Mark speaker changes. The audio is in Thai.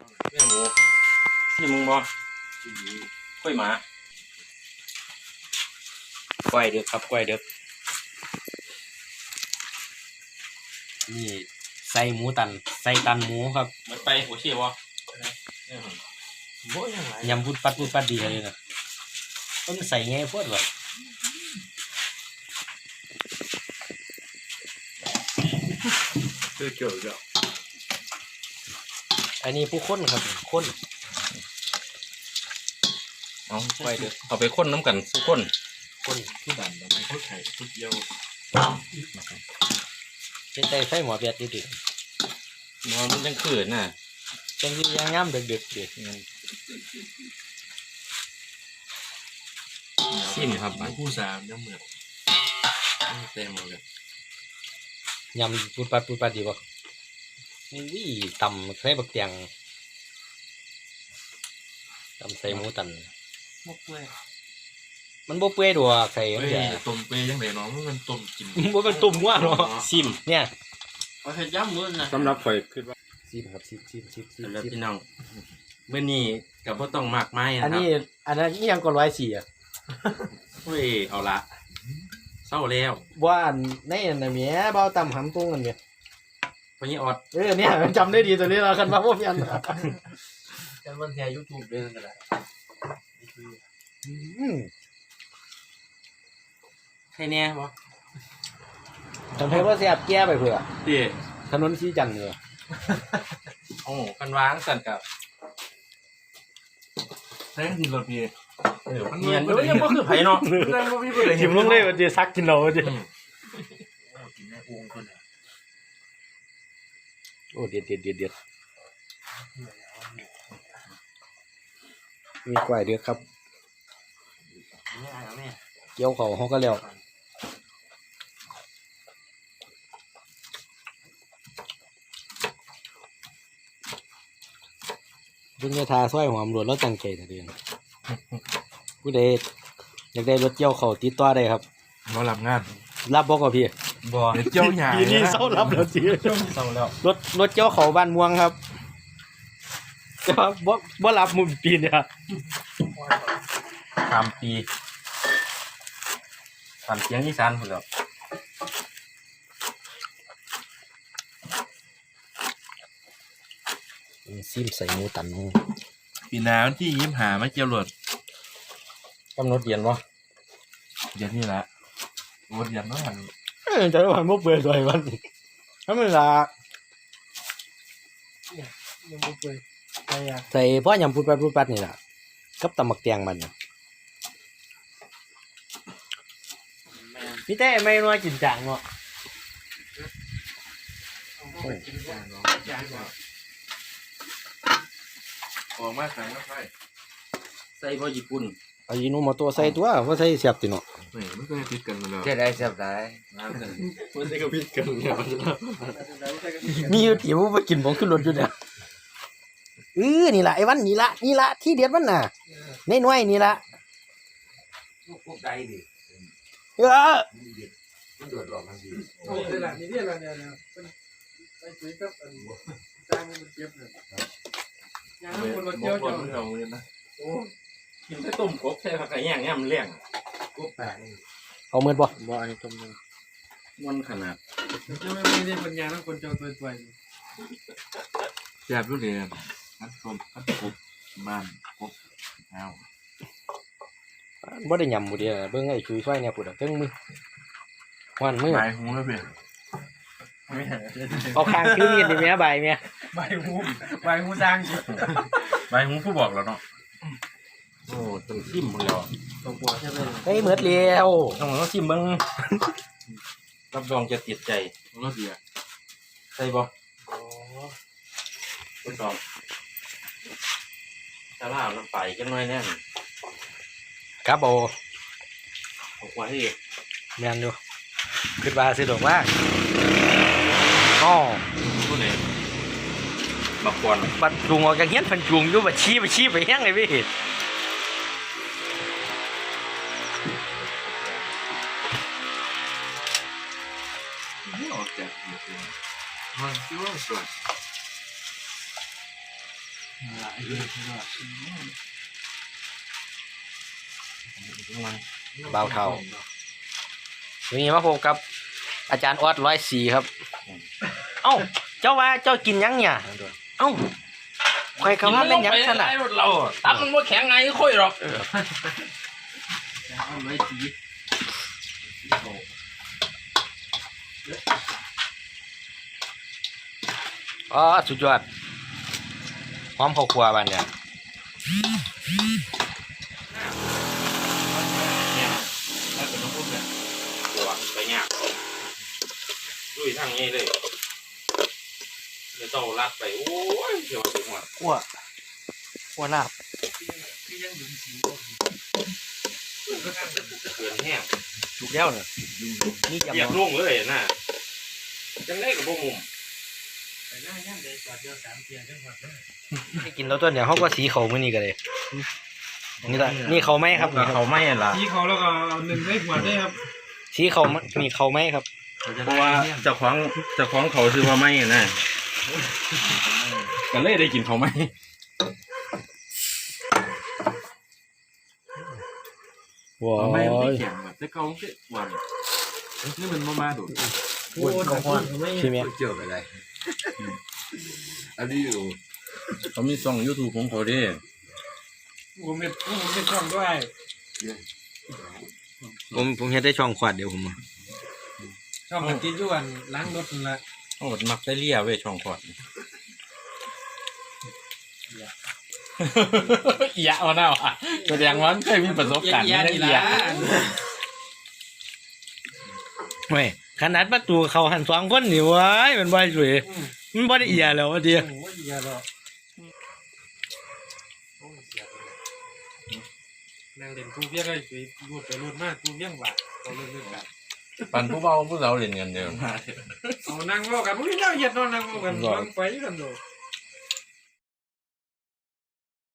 Speaker 1: แม่หมูที่มึงบ่ค่อยหมาก้อยเด็กครับก้อยเด็กนี่ใส่หมูตันใส่ตันหมูครับมันไปโอเคบ่ยำพุดปัดดีเลยนะต้องใส่ไงพวดวะ
Speaker 2: เกี่ยวกับ
Speaker 1: อันนี้ผู้ค้นครับค้นเอาไปเถอะเอาไปค้นน้ำกันผู้ค้น
Speaker 2: ทุกด่านเราไม่เข้าใจทุกเดียว
Speaker 1: เป็นใจไฟหมอเบียดดิมันยังขืนน่ะจังที่ยังง่ำดึกๆดิซิมครับ
Speaker 2: ผู้สามยังเหมือนเต็มเลย
Speaker 1: ยำปูปัดดีป่ะนี่ตำใส่บักเตียงตำใส่หมูตัน
Speaker 2: มกเปื่อย
Speaker 1: มันบ่เปื่อยดอกใส่
Speaker 2: ต้มเปื่อยยังไงน้องมันต้มกิน
Speaker 1: บ่เป็นตุ่มว่าเนาะซิมเนี่ย
Speaker 2: เอาเห็ดย่ำมื้อนะ
Speaker 3: สำหรับข่อยคิดว่า
Speaker 1: ซิมครับซิม
Speaker 2: แล้วพี่น้องเมื่อนี้กับพ่ต้องมากไม้
Speaker 1: อันนี้ยังก็104อ่ะ
Speaker 2: เฮ้ยเอาละเศร้าแล้ว
Speaker 1: ว่าในอันนั้นแหมเบาต่ำหำตุ้งกันเนี่ย
Speaker 2: พอนี้ออด
Speaker 1: เนี่ยจำได้ดีตัวนี้เราคันว่าพวกยัน
Speaker 2: กันวันแชร์ YouTube ด้วยกันแหละใครเนี่ยบ่
Speaker 1: ทำให้ว่าแซ่บแก้ไปเผื่อ
Speaker 2: ดิ
Speaker 1: ถนนชี้จันทร์เลย
Speaker 2: โอ้กันวางสั่นกับแท่งดินรถพี่
Speaker 1: มันเนียนด้วยยังบ่คือไผเนาะ
Speaker 2: แท่งบ่มีผู้ใด
Speaker 1: หิมลงเลยว่าจะซักกินเราว่าจะ
Speaker 2: กินในอู่คนน่ะ
Speaker 1: โอ้เด็ดมีกล้วยเดือครับเกี่ยวเขาเขาก็แล้วเพิ่งจะทาสร้อยหอมรวดแล้วจังใจแต่เดือนผู้ใดอยากได้รถเกี่ยวเขาติดต่อได้ครับ
Speaker 2: มารับงาน
Speaker 1: รับบอกกับพี่
Speaker 2: บ่เกี่ยวหยา
Speaker 1: ปีนี้เศร้ารับแล้วสิ
Speaker 2: เศร้าแล้ว
Speaker 1: รถเกี่ยวเขาบ้านม่วงครับจะบ่รับมุมปีเนี่ย
Speaker 2: 3 ปีทำเสียงอีสานพุ่นแล้ว
Speaker 1: ซิมใส่หมูตัน
Speaker 2: ปีหน้าวันที่25มาเกี่ยวรถ
Speaker 1: กำหนดเย็นวะ
Speaker 2: เย็นนี่แหละรถเย็นเนาะ
Speaker 1: จะได้วันมุกเบื่อด้วยวันถ้าไม่ละ
Speaker 2: ยังมุกเบื่อ
Speaker 1: ใส่พ่อยำพูดปัดนี่แหละกับตำหมักเตียงมันพี่เต้ไม่นัวกินจางเนาะ
Speaker 2: ออกมาสั่งมา
Speaker 1: ใส่พ่อญี่ปุ่นอายิโนโมโตะใส่ตัวว่าใส่เสียบติเนาะ
Speaker 2: ไม่เคยพิดกันเลย
Speaker 3: เจ๊ได้เสียบได้
Speaker 2: มันจะก็พิดกันเนี่ย
Speaker 1: มีอยู่ติ๋วไปกินผมขึ้นรถอยู่เนี่ยนี่ละไอ้วันนี่ละที่เด็ดมันน่ะในหน่วยนี่ละ
Speaker 3: พวกใดดิมันโดดหลอกมันดี
Speaker 2: โอ้ยหลังนี่อะไรเนี่ยไปคุยกับจ้างมันเจ็บเลยงานคนมาเจียวเราเลยนะโอ้กินแค่ต้มกบแค่ผักไก่ย่างเนี่ยมันเลี้ยง
Speaker 3: กบแปลก
Speaker 1: เอาเมื่อบ่
Speaker 2: อันนี้ต้มมันขนาดจะไม่ได้ปัญญาต้องคนเจ้าตัวแซ่บรู้เลยอันต้มอันกบบ้านกบเอา
Speaker 1: บ่ได้ยำบ่เดียวเบิ่งไอ้ชุยช่วยเนี่ยปุ่นเทิงมือวันมือ
Speaker 2: ใบหูแล้วเปล่า
Speaker 1: เอาคางคือมีดนี่แม่ใบแม่
Speaker 2: ใบหูสร้างสิใบหูผู้บอกแล้วเนาะโอ้ต้องชิมหมดแล้วต้องปวดใช่ไหม
Speaker 1: เฮ้ยเหมือนเลี้ยว
Speaker 2: ต้องชิมบ้างรับรองจะติดใจรสดีอ่ะใช่ป่ะทดสอบถ้าล่าน้ำไปกันหน่อยแน่
Speaker 1: ครับโอ
Speaker 2: ไว้
Speaker 1: แมนดูขึ้นมาสิดอกว่าอ๋อ
Speaker 2: ผู้ใดบักกวน
Speaker 1: บัดจุงออกจากเงี้ยพันจุงอยู่บัดชี้ไปแห้งเลยพี่
Speaker 2: ออกจากมันคิดว่าสวย
Speaker 1: เบาเท่าวันนี้มาพบกับอาจารย์ออด104ครับเอ้าเจ้าว่าเจ้ากินยังเนี่ยเอ้าใครคำว่าเป็นยังขนาด
Speaker 2: เราตับมันว่าแข็งไงค่อยหรอก
Speaker 3: เอาไว้สี
Speaker 1: อ๋อสุดยอดพร้อมข้าวคั่วบ้านเนี่ย
Speaker 2: แล้วก็น้องพูดเนี่ยตัวไปยากลุยทางนี้เลยเดี๋ยวต้องรัดไปโอ้ยเดี๋ยวถึงหัว
Speaker 1: คั่วลาบ
Speaker 2: เกินแห้ง
Speaker 1: ถูกแล้วเนี่ยนี่
Speaker 2: เหยียบ
Speaker 1: ยำ
Speaker 2: ลงเลยน่ะจังได้กับพวกมุม
Speaker 1: ให้กินแล้วตัวเนี่ยเขาก็สีเขามื้อนี้กันเลยนี่ละนี่เขาไหมครับนี่ครับ
Speaker 2: เขาไม่ล่ะ
Speaker 4: ที่เขาแล้วก็เอาหนึ่งได้ขวดได้ครับ
Speaker 1: สีเขานี่เขาไหมครับ
Speaker 2: เพราะว่าเจ้าของเขาซื้อมาไม่น่ะก็เลยได้กินเขาไม่
Speaker 1: ว้า
Speaker 3: ไม่
Speaker 1: ย
Speaker 3: แข็งแบบแต่เขาคือหวานนี่มันมาดู
Speaker 4: โอ้ของขวดไม่
Speaker 1: ใช่ไหม
Speaker 3: เกี่ยวอะไรอันนี้อยู่
Speaker 2: เขามีช่อง YouTube ของเขาดิ
Speaker 4: ผมเป็นช่องด้วย
Speaker 1: ผมเฮ็ดได้ช่องขวดเดียวผม
Speaker 4: ช่องมันติดอยู่อันล้างรถนั่นละ
Speaker 2: โอ้มักได้เลี่ยเว้ยช่องขอดเอียเอาหน้าอ่ะแสดงว่าเคยมีประสบการณ์ไม่ได้เอีย
Speaker 1: เว้ยขนาดประตูเขาหัน2คนนี่เว้ยมันบ่สวยมันบ่ได้เอียแล้วว่าเดียว
Speaker 4: โอ้ยอย่าหรอกนั่งเล่นกูเบี้ยเลยไปรูดไปรูดมากกูเบี้ยงว่าเราเรื่องกัน
Speaker 2: ปันผู้เบาผู้สาวเล่นกันเดียว
Speaker 4: เอานั่งว่ากันมึงเจ้าเหยียดนอนนั่งว่ากันวางไฟกันดู
Speaker 2: เ